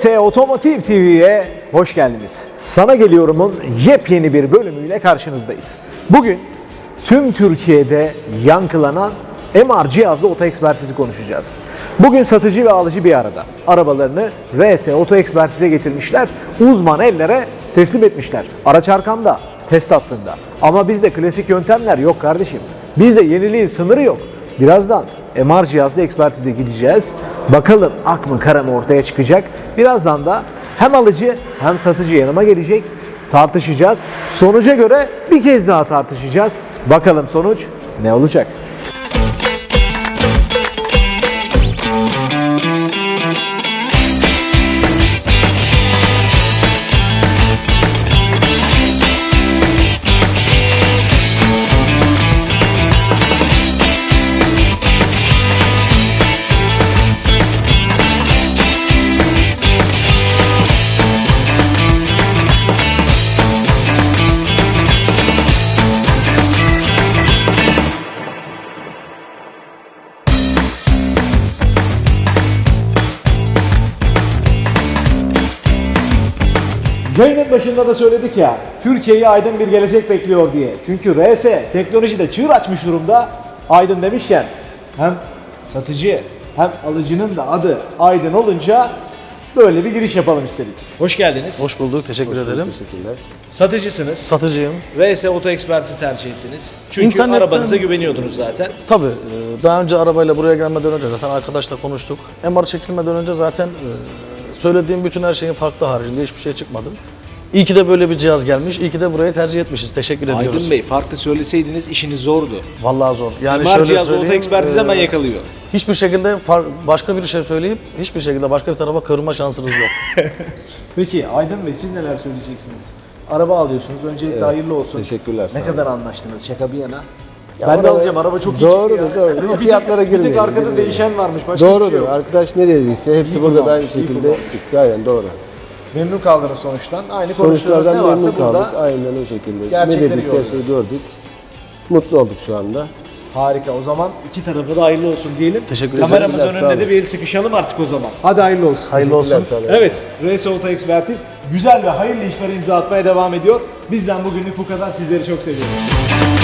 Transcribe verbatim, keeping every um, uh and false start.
R S Otomotiv T V'ye hoş geldiniz. Sana Geliyorum'un yepyeni bir bölümüyle karşınızdayız. Bugün tüm Türkiye'de yankılanan M R cihazlı oto ekspertizi konuşacağız. Bugün satıcı ve alıcı bir arada. Arabalarını R S Oto Ekspertize getirmişler, uzman ellere teslim etmişler. Araç arkamda, test hattında. Ama bizde klasik yöntemler yok kardeşim. Bizde yeniliğin sınırı yok. Birazdan M R cihazlı ekspertize gideceğiz. Bakalım ak mı kara mı ortaya çıkacak. Birazdan da hem alıcı hem satıcı yanıma gelecek. Tartışacağız. Sonuca göre bir kez daha tartışacağız. Bakalım sonuç ne olacak? Yayının başında da söyledik ya, Türkiye'yi aydın bir gelecek bekliyor diye. Çünkü R S teknolojide çığır açmış durumda. Aydın demişken hem satıcı hem alıcının da adı Aydın olunca böyle bir giriş yapalım istedik. Hoş geldiniz. Hoş bulduk, teşekkür Hoş ederim. bulduk, teşekkürler. Satıcısınız. Satıcıyım. R S Oto Ekspertizi tercih ettiniz. Çünkü İnternetten- arabanıza güveniyordunuz zaten. Tabii, e, daha önce arabayla buraya gelmeden önce zaten arkadaşla konuştuk. M R çekilmeden önce zaten e, söylediğim bütün her şeyin farklı haricinde hiçbir şey çıkmadı. İyi ki de böyle bir cihaz gelmiş, iyi ki de burayı tercih etmişiz. Teşekkür ediyoruz. Aydın Bey, farklı söyleseydiniz işiniz zordu. Vallahi zor. Yani M R şöyle cihazlı oto söyleyeyim, ekspertizi e, hemen yakalıyor. hiçbir şekilde far- başka bir şey söyleyip hiçbir şekilde başka bir tarafa kırma şansınız yok. Peki Aydın Bey, siz neler söyleyeceksiniz? Araba alıyorsunuz. Öncelikle Evet, hayırlı olsun. teşekkürler, sağ Ne olun. kadar anlaştınız? Şaka bir yana. Ya ben de araba- alacağım. Araba çok iyi Doğrudur, çıktı ya. doğru. Bir tek- Fiyatlara Bir tek girmeyelim, arkada girmeyelim. değişen varmış. Başka bir şey Doğrudur. yok. Arkadaş ne dediyse hepsi İyi burada da kullanmış, aynı iyi şekilde kullanmış. çıktı. Aynen doğru. Memnun kaldınız sonuçtan. Aynı konuştuğunuz Sonuçlardan ne varsa memnun burada. kaldık. Aynen o şekilde. Ne gerçekleri dediyse gördük. hepsini gördük. Mutlu olduk şu anda. Harika. O zaman iki tarafa da hayırlı olsun diyelim. Teşekkür Kameramız ederiz. Sağ önünde olun. de bir el sıkışalım artık o zaman. Hadi hayırlı olsun. Hayırlı olsun. Teşekkürler, sağ olun. Evet, R S Oto Ekspertiz güzel ve hayırlı işlere imza atmaya devam ediyor. Bizden bugünlük bu kadar. Sizleri çok seviyoruz.